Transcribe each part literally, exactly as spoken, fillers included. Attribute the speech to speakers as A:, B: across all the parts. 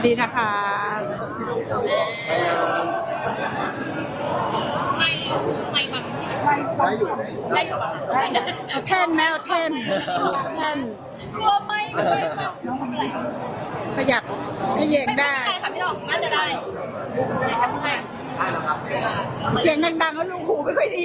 A: ดีนะคะ
B: ไม่ไม่บังไม่ได้อยู่ได้อยู่
A: เอาแท่นแมวแท่นแท่น
B: ก็ไม่ไม่
A: ขยับให้เยงได้
B: ได้ค่ะพี่น้องน่าจะได้แต่ทำยังไง
A: เสียงดังๆแล้วลูกหูไม่ค่อยดี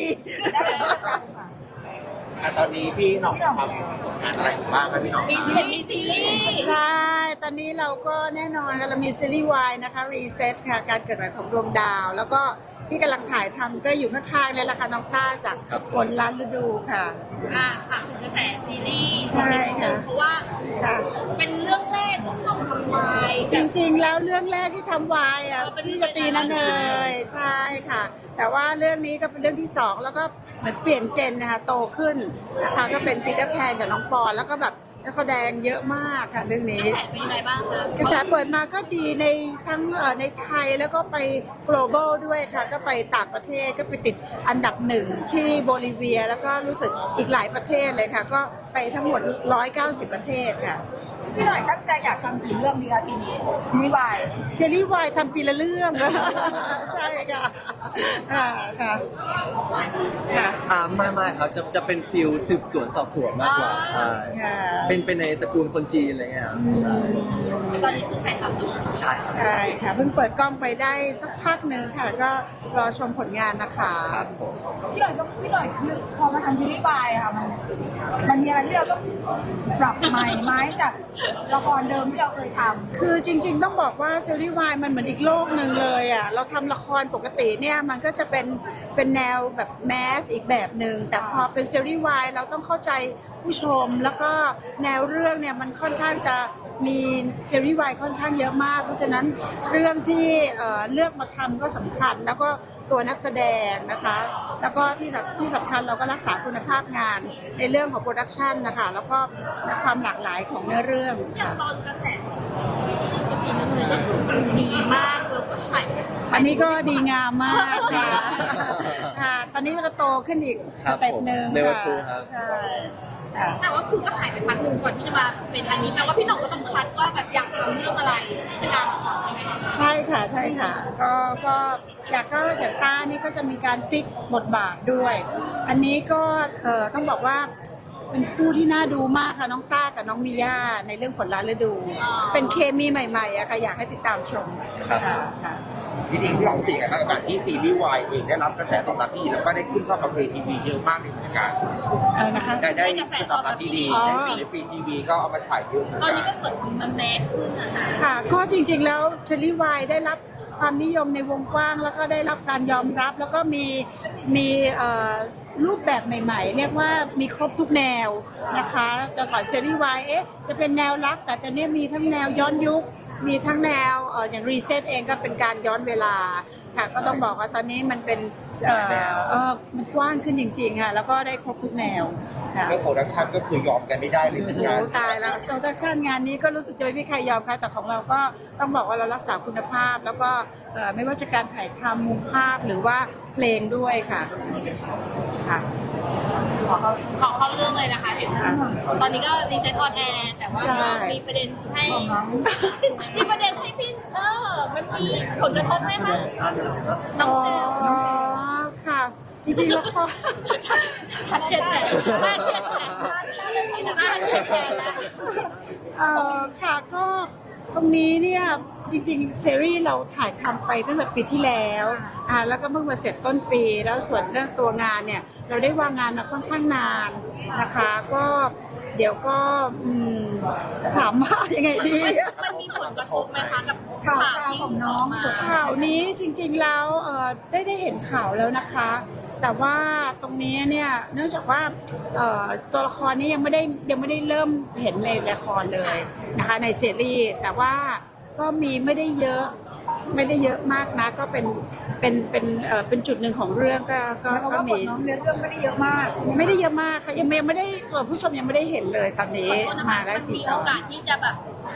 C: ตอนนี้พี่หน่องทำผลงานอะไรอยู่บ้างครับพี่หน่อง
B: มีซีรีส์มีซีรีส์
A: ใช่ตอนนี้เราก็แน่นอนค่ะเรามีซีรีส์วายนะคะ Reset ค่ะการเกิดใหม่ของดวงดาว แล้วก็ที่กำลังถ่ายทำก็อยู่ข้างๆเลยละค่ะน้องต้าจากฝนล้านฤดูค่ะ
B: อ่าค่ะถึงกระแสซีรีส์
A: ใช่ค่ะ
B: เพราะว่าเป็นเรื่องแรกของเราทำวาย
A: จริงๆแล้วเรื่องแรกที่ทำวายอ่ะพี่จะตีนั่นเลยใช่ค่ะแต่ว่าเรื่องนี้ก็เป็นเรื่องที่สองแล้วก็เหมือนเปลี่ยนเจนนะคะโตขึ้นนะคะก็เป็นปีเตอร์แพนกับน้องปอนแล้วก็แบบนักแสดงเยอะมากค่ะเรื่องนี้
B: กระแสเป็นยังไงบ้างคะ
A: กระแสเปิดมาก็ดีในทั้งในไทยแล้วก็ไป global ด้วยค่ะก็ไปต่างประเทศก็ไปติดอันดับหนึ่งที่โบลิเวียแล้วก็รู้สึกอีกหลายประเทศเลยค่ะก็ไปทั้งหมดหนึ่งร้อยเก้าสิบประเทศค่ะ
D: พี่หน่อยตั้งใจอยากทำกี่เรื่องดีคะปีนี้ซีรีส์วาย
A: เจลลี่วายทำปีละเรื่องใช่ค่ะค่ะค่ะ
E: ค่ะอ่าไม่ไม่ครับจะจะเป็นฟิลสืบสวนสอบสวนมากกว่าใช่เป็นเป็นในตระกูลคนจีนอะไรเงี้ยครับใช่
B: ตอนนี้เพิ่งถ่ายทำอยู่
E: ใช่
A: ใช่ค่ะเพิ่งเปิดกล้องไปได้สักพักหนึ่งค่ะก็รอชมผลงานนะคะ
E: ครับผม
D: พี่หน่อยก็พี่หน่อยพอมาทำซีรีส์วายค่ะมันมันมีอะไรที่เราต้องปรับใหม่ไหมจากละครเดิมที่เราเคยทำ
A: คือจริงๆต้องบอกว่าซีรีส์วายมันเหมือนอีกโลกหนึ่งเลยอ่ะเราทำละครปกติเนี่ยมันก็จะเป็นเป็นแนวแบบแมสอีกแบบหนึ่งแต่พอเป็นซีรีส์วายเราต้องเข้าใจผู้ชมแล้วก็แนวเรื่องเนี่ยมันค่อนข้างจะมีซีรีส์วายค่อนข้างเยอะมากเพราะฉะนั้นเรื่องที่เลือกมาทำก็สำคัญแล้วก็ตัวนักแสดงนะคะแล้วก็ที่ที่สำคัญเราก็รักษาคุณภาพงานในเรื่องของโปรดักชันนะคะแล้วก็ความหลากหลายของเนื้อเรื่อง
B: อย่างตอนกระแสก็ปีนั้นเลยก็คือมันดีมากแล้วก็ขาย
A: อันนี้ก็ดีงามมากค่ะค่ะตอนนี้ก็โตขึ้นอีกสเต็ปหนึ่งค่ะใช่
B: แต่ว่าคือก็หายไปพักหนึ่งก่อนที่จะมาเป็นอันนี้แปลว่าพี่หน่องก็ต้องคัดว่าแบบอยากทำเรื่องอะไรเป็นการทำใช่ไหม
A: ใช่ค่ะใช่ค่ะก็ก็อยากก็อย่างต้านี่ก็จะมีการพลิกบทบาทด้วยอันนี้ก็เอ่อต้องบอกว่าเป็นคู่ที่น่าดูมากค่ะน้องต้ากับน้องมิย่าในเรื่องฝนล้านฤดูเป็นเคมีใหม่ๆอะค่ะอยากให้ติดตามชมค่ะค่ะ
C: จริงๆพี่หน่องสิ่งอะไรบ้างกับการที่ซีรีส์วายเองได้รับกระแสตอบรับที่ดีแล้วก็ได้ขึ้นช่องกับฟรีทีวีเยอะมากในวงการ
A: อะไรนะคะ
C: ได้ได้กระแสตอบรับที่ดีในฟรีทีวีก็เอามาฉายเยอะ
B: ตอนนี้ก็เกิดมันแมสขึ้นนะคะ
A: ค่ะก็จริงๆแล้วซีรีส์วายได้รับความนิยมในวงกว้างแล้วก็ได้รับการยอมรับแล้วก็มีมีรูปแบบใหม่ๆเรียกว่ามีครบทุกแนวนะคะแต่ก่อนซีรีส์วายเอ๊ะจะเป็นแนวรักแต่ตอนนี้มีทั้งแนวย้อนยุคมีทั้งแนวอย่างรีเซ็ตเองก็เป็นการย้อนเวลาค่ะก็ต้องบอกว่าตอนนี้มันเป็นเอ่อเออมันกว้างขึ้นจริงๆค่ะแล้วก็ได้ครบทุกแนว
C: เรื่องโปรดักชันก็คือยอมกันไม่ได้เลยเหมือนกัน
A: ตายแล้วโปรดักชันงานนี้ก็รู้สึกจะไม่มีใครยอมค่ะแต่ของเราก็ต้องบอกว่าเรารักษาคุณภาพแล้วก็ไม่ว่าจะการถ่ายทำมุมภาพหรือว่าเพลงด้วยค่ะค่ะ
B: ขอเข้าเรื่องเลยนะคะเห็นตอนนี้ก็รีเซ็ตออนแอร์แต่ว่ามีประเด็นให้มีประเด็นให้พี่เออมันมีผลกระทบไหมคะน้องแต้ว
A: ค่ะจริงๆแล้วก็
B: ทัดเทียนแต่มากเทียนแต่มากเทียนแต่แล้ว
A: เอ่อค่ะก็ตรงนี้เนี่ยจริงๆซีรีส์เราถ่ายทำไปตั้งแต่ปีที่แล้วอ่าแล้วก็เพิ่งมาเสร็จต้นปีแล้วส่วนเรื่องตัวงานเนี่ยเราได้วางงานมาค่อนข้างนานนะคะก็เดี๋ยวก็จะถามว่ายังไงดี
B: มันมีผลกระทบไหมคะกับ
A: ข่าวของน้องข่าวนี้จริงๆแล้วเอ่อได้ได้เห็นข่าวแล้วนะคะแต่ว่าตรงนี้เนี่ยเนื่องจากว่าตัวละครนี้ยังไม่ได้ยังไม่ได้เริ่มเห็นในละครเลยนะคะในซีรีส์แต่ว่าก็มีไม่ได้เยอะไม่ได้เยอะมากนะก็เป็นเป็นเป็นเอ่อเป็นจุดหนึ่งของเรื่องก็ก็
D: ก็มีน้องเรื่องไม่ได้เยอะมาก
A: ไม่ได้เยอะมากค่ะยังไม่ได้ผู้ชมยังไม่ได้เห็นเลยตอนนี้มาแล้ว
B: สิมีโอกาสที่จะแบบ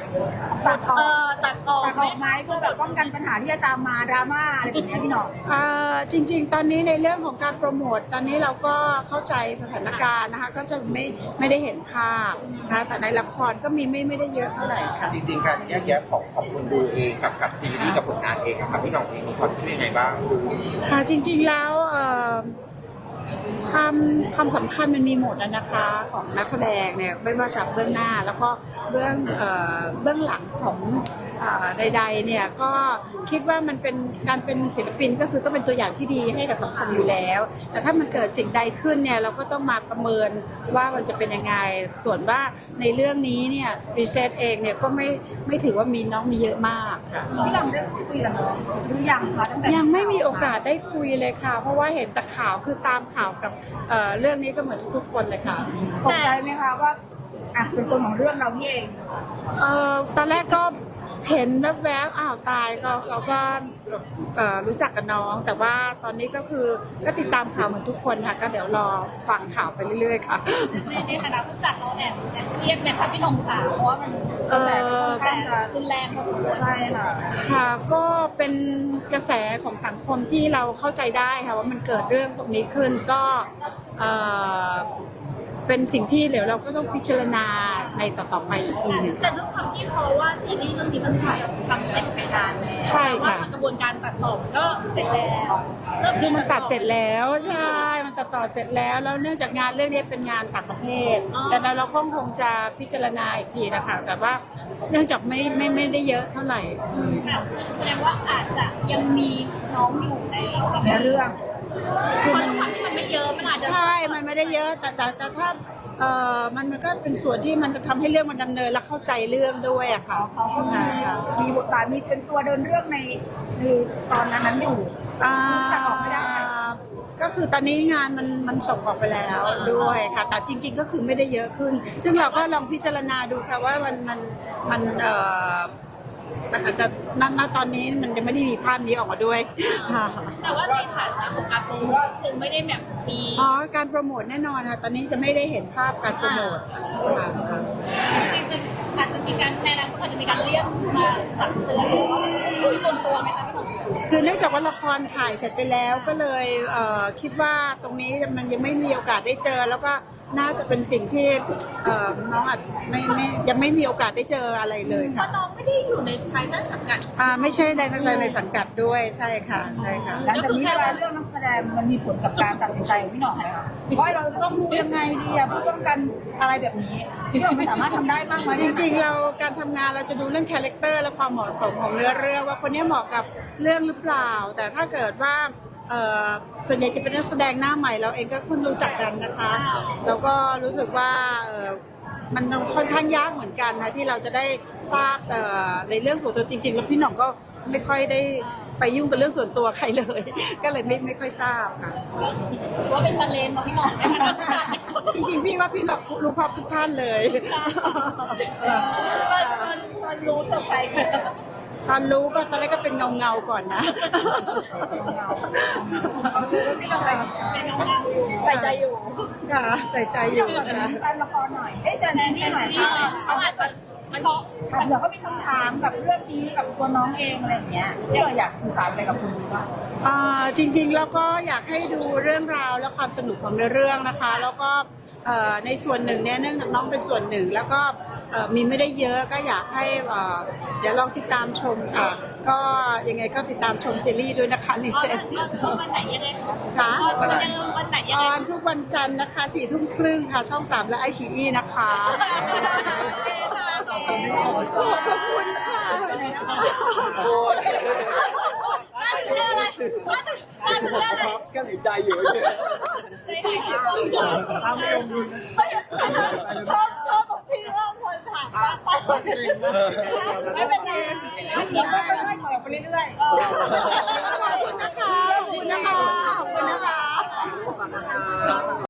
D: ตัดอ
B: เอ
D: อก
B: อตัดออก
D: ตัดออกไหมเพื่อแบบป้องกันปัญหาที่จะตามมาดราม่าอะไรแบบเนี้ยพี่หน่อง
A: อ่าจริงๆ ตอนนี้ในเรื่องของการโปรโมทตอนนี้เราก็เข้าใจสถานการณ์นะคะก็จะไม่ไม่ได้เห็นภาพนะคะแต่ในละครก็มีไม่ไม่ได้เยอะเท่าไหร่ค่ะ
C: จริงๆการแยกแยะของของคนดูเองกับกับซีรีส์กับผลงานเองอะครับพี่หน้องเองมีความคิดยังไงบ้าง
A: ค่ะจริงๆแล้วเอ่อความความสำคัญมันมีหมดแล้วนะคะของนักแสดงเนี่ยไม่ว่าจากเบื้องหน้าแล้วก็เบื้องเอ่อเบื้องหลังของเอ่อใดๆเนี่ยก็คิดว่ามันเป็นการเป็นศิลปินก็คือต้องเป็นตัวอย่างที่ดีให้กับสังคมอยู่แล้ว แต่ถ้ามันเกิดสิ่งใดขึ้นเนี่ยเราก็ต้องมาประเมินว่ามันจะเป็นยังไงส่วนว่าในเรื่องนี้เนี่ยสปีเซตเองเนี่ยก็ไม่ไม่ถือว่ามีน้องมีเยอะมากค่ะ
D: พี่หน่องได้คุยกับน้องหรือยังคะตั้งแต่
A: ยังไม่มีโอกาสได้คุยเลยค่ะ เพราะว่าเห็นแต่ข่าวคือตามข่าวกับเอ่อเรื่องนี้ก็เหมือนทุกๆคนเลยค่ะ
D: ตกใจไหมคะว่าอ่ะเป็นคนของเรื่องเรานี่เอง
A: เอ่อตอนแรกก็เห็นแวบๆอ้าวตายก็เราก็เอ่อรู้จักกับน้อง แต่ว่าตอนนี้ก็คือก็ติดตามข่าวเหมือนทุกคนค่ะ ก็เดี๋ยวรอฟังข่าวไปเรื่อยๆค่ะ
B: ในในฐานะผู้จัดเราแอบแอบเครียดไหมคะพี่หนงค่ะเพราะว่ามัน
A: เอ่อ
D: ค่อนข้างจะ
B: รุนแรงพอสมควร
D: ใช่ค่ะ
A: ค่ะก็เป็นกระแสของสังคมที่เราเข้าใจได้ค่ะว่ามันเกิดเรื่องตรงนี้ขึ้นก็เอ่อเป็นสิ่งที่เดี๋ยวเราก็ต้องพิจารณาในต่อๆไปอีกทีหนึง
B: แต่ด้วยความที่เพราะว่าซีรีส์เรื่องนี้มันถ่ายทำเสร็จไปนานแล้ว
A: ใช่ค่ะ
B: แต่ว่ากระบวนการตัดต่อก็เสร็จแล้วเริ่ม
A: คือมันตัดเสร็จแล้วใช่ มันตัดต่อเสร็จแล้วแล้วเนื่องจากงานเรื่องนี้เป็นงานต่างประเทศแต่แล้วเราก็คงจะพิจารณาอีกทีนะคะแต่ว่าเนื่องจากไม่ไม่ไม่ได้เยอะเท่าไหร่
B: แสดงว่าอาจจะยังมีน้องอยู่ในซี
D: ใน
B: รีส์
D: เรื่อง
B: เพราะด้วยความที่มันไม่เยอะมันอาจจะ
A: ใช่ มันไม่ได้เยอะ แต่แต่แต่ถ้าเอ่อมันมันก็เป็นส่วนที่มันจะทำให้เรื่องมันดำเนินและเข้าใจเรื่องด้วยอะค่ะ
D: เขาก็มี
A: ค่ะ
D: มีบทบาทมีเป็นตัวเดินเรื่องในในตอนนั้นนั้นอยู่
A: อ่า
D: ตัดออกไม่ได้
A: ก็คือตอนนี้งานมันมันส่งออกไปแล้วด้วยค่ะ แต่จริง ๆ ก็คือไม่ได้เยอะขึ้น ซึ่งเราก็ลองพิจารณาดูค่ะว่ามันมันมันเอ่อมันอาจจะณณตอนนี้มันจะไม่ได้มีภาพนี้ออกมาด้วยค่ะ
B: แต่ว่าในฐานะของการโปรโมทคงไม่ได้แบบมี
A: อ๋อการโปรโมทแน่นอนค่ะ ตอนนี้จะไม่ได้เห็นภาพการโปรโมทค่ะ
B: จริงๆอาจจะมีการในนั้นก็อาจจะมีการเรียกมาตักเตือนหรือว่าคุยส่วนตัวไหมคะพี่หนุ่ม
A: คือเนื่องจากว่าละครถ่ายเสร็จไปแล้วก็เลยเอ่อคิดว่าตรงนี้มันยังไม่มีโอกาสได้เจอ แล้วก็น่าจะเป็นสิ่งที่เอ่อน้องอาจไม่ไม่ยังไม่มีโอกาสได้เจออะไรเลย
B: เพ
A: ค่ะ
B: ราะน้องไม่ได้อยู่ในภายใต้สังกัด
A: อ่าไม่ใช่ในในในสังกัดด้วยใช่ค่ะใช่ค่ะ
D: หลังจากนี้เวลาเรื่องนักแสดงมันมีผลกับการตัดสินใจของพี่หน่องไหมคะว่าเราจะต้องดูยังไงดีอะเพื่อป้องกันอะไรแบบนี้พี่หน่องมันสามารถทำได้บ้างไหม
A: จริงๆเราการทำงานเราจะดูเรื่องคาแรคเตอร์และความเหมาะสมของเนื้อเรื่องว่าคนนี้เหมาะกับเรื่องหรือเปล่า แต่ถ้าเกิดว่าเอ่อส่วนใหญ่จะเป็นนักแสดงหน้าใหม่เราเองก็เพิ่งรู้จักกันนะคะแล้วก็รู้สึกว่าเอ่อมันค่อนข้างยากเหมือนกันนะที่เราจะได้ทราบเอ่อในเรื่องส่วนตัวจริง ๆ แล้วพี่หน่องก็ไม่ค่อยได้ไปยุ่งกับเรื่องส่วนตัวใครเลย ก็เลยไม่ไม่ค่อยทราบค่ะ
B: หรือว่าเป็นชาเลนจ์ของพี่หนุ่มนะคะ
A: จริงๆพี่ว่าพี่หน่องรู้พร้อมทุกท่านเลย
B: ตอนตอนตอนรู้เซอร์ไพรส์ไหม
A: ตอนรู้ก็ตอนแรกก็เป็นเงาเงาๆก่อนนะ
B: พี่หนุ่มเป็นน้องๆอยู่ใส่ใจอยู่
A: ค่ะใส่ใจอยู่นะ
D: แฟนละครหน่อยเอ้ยแฟนนี่หน่อยค่ะ
B: เขาอาจจะมันเพราะ
D: เผื่อเขามีคำถามกับเรื่องนี้กับตัวน้องเองอะไรอย่างเงี้ยที่เราอยากสื่อสารอะไรกับคุณดูบ้าง
A: อ่าจริงๆแล้วก็อยากให้ดูเรื่องราวและความสนุกของเรื่องนะคะ แล้วก็เอ่อในส่วนหนึ่งเนี่ยเนื่องจากน้องเป็นส่วนหนึ่ง แล้วก็เอ่อมีไม่ได้เยอะก็อยากให้เอ่อเดี๋ยวลองติดตามชมค่ะก็ยังไงก็ติดตามชมซีรีส์ด้วยนะคะลิเซน
B: วันไหนยังไง
A: ค่ะ
B: วันไหนวันไหนยั
A: อง
B: ไง
A: อนทุกวันจันทร์นะคะสี่ทุ่มครึ่งค่ะช่องสามและไอชีอีนะคะ
B: ขอบคุณ
A: ขอบคุณค่ะ
B: มาถึงเรื่องอะไรมาถึงมาถึงเรื่องอะไร
E: ก็หลีใจอยู่เนี่ย
C: ตามลม
B: ชอบชอบของพี่เรื่องคนถามว่าตอนไม่เป็นไร
D: ค่อยๆถอยออกไปเรื่อยๆ
A: ขอบคุณนะคะขอบคุณนะคะขอบคุณนะคะ